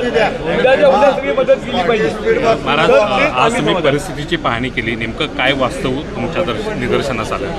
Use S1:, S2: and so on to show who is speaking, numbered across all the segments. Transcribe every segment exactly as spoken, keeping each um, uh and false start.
S1: महाराज, आज तुम्ही परिस्थितीची पाहणी केली, नेमकं काय वास्तव तुमच्या दर्श निदर्शनास आलं?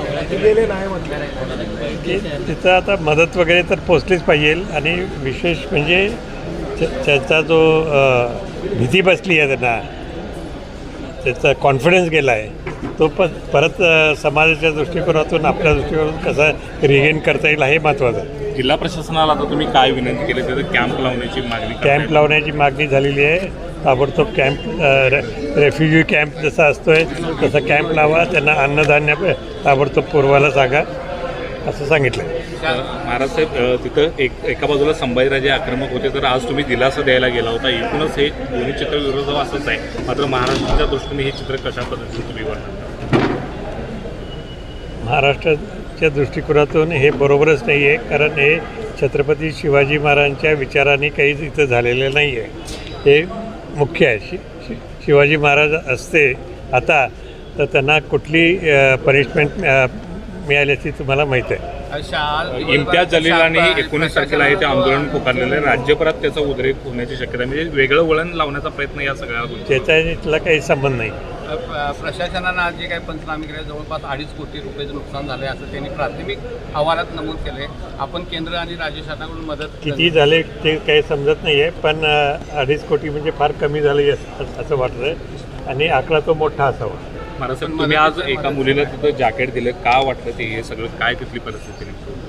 S2: तिथं आता मदत वगैरे तर पोचलीच पाहिजे आणि विशेष म्हणजे त्याचा जो भीती बसली आहे त्यांना, त्याचा कॉन्फिडन्स गेला आहे, तो पण परत समाजाच्या दृष्टिकोनातून आपल्या दृष्टिकोनातून कसा रिगेन करता येईल हे महत्त्वाचं आहे.
S1: जिल्हा प्रशासनाला आता तुम्ही काय विनंती केली? त्याचं कॅम्प लावण्याची मागणी
S2: कॅम्प लावण्याची मागणी झालेली आहे. ताबडतोब कॅम्प, रेफ्युजी कॅम्प जसा असतोय तसा कॅम्प लावा, त्यांना अन्नधान्य ताबडतोब पुरवायला सांगा असं सांगितलं.
S1: महाराज साहेब, तिथं एक एका बाजूला संभाजीराजे आक्रमक होते, तर आज तुम्ही दिलासा द्यायला गेला होता. एकूणच हे दोन्ही चित्र विरोध असंच आहे. मात्र महाराष्ट्राच्या दृष्टीने हे चित्र कशा पद्धतीने तुम्ही बघता?
S2: महाराष्ट्राच्या दृष्टिकोनातून हे बरोबरच नाही आहे, कारण हे छत्रपती शिवाजी महाराजांच्या विचाराने काहीच इथं झालेलं नाही आहे. हे मुख्य आहे. शि शि शिवाजी महाराज असते आता तर त्यांना कुठली पनिशमेंट मिळाली असती तुम्हाला माहीत आहे.
S1: इम्तियाज जलीलांनी एकोणीस तारखेला हे ते आंदोलन पुकारलेलं आहे. राज्यभरात त्याचा उद्रेक होण्याची शक्यता, म्हणजे वेगळं वळण लावण्याचा प्रयत्न या सगळ्या गोष्टी.
S2: त्याचा इथला काही संबंध नाही.
S3: प्रशासनानं आज जे काही पंचनामे केले, जवळपास अडीच कोटी रुपयाचं नुकसान झालं आहे असं त्यांनी प्राथमिक अहवालात नमूद केलं आहे. आपण केंद्र आणि राज्य शासनाकडून मदत
S2: किती झाले ते काही समजत नाही आहे, पण अडीच कोटी म्हणजे फार कमी झालं असं वाटतं आहे आणि आकडा तो मोठा असावा.
S1: महाराष्ट्रात तुम्ही आज एका मुलीला तिथं जॅकेट दिलं, का वाटलं ते हे सगळं? काय तिथली परिस्थिती?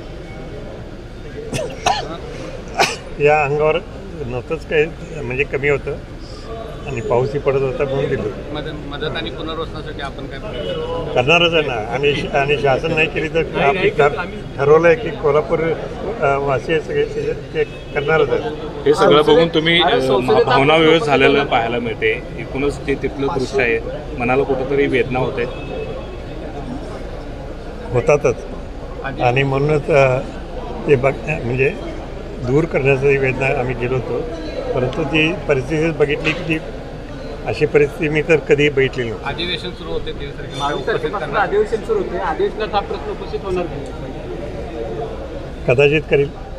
S2: या अंगावर नव्हतंच काही, म्हणजे कमी होतं आणि पाऊसही पडत होता म्हणून दिलं.
S3: मदत मदत आणि पुनर्वसनासाठी आपण काय
S2: करणारच आहे ना. आणि आणि शासन नाही केली तर आपली ठरवलं आहे की कोल्हापूर वासी सगळे ते करणारच आहे.
S1: हे सगळं बघून तुम्ही भावना व्यवस्थित झालेलं पाहायला मिळते. एकूणच ते तिथलं दृश्य आहे, मनाला कुठंतरी वेदना होते,
S2: होतातच. आणि म्हणूनच ते बघ म्हणजे दूर करण्याची वेदना आम्ही गेलो होतो, परंतु ती परिस्थितीच बघितली की ती अशी परिस्थिती मी तर कधी बघितली नव्हती.
S3: अधिवेशन सुरू होते,
S4: अधिवेशन सुरू होते, अधिवेशनात हा प्रश्न उपस्थित होणार
S2: कदाचित करील.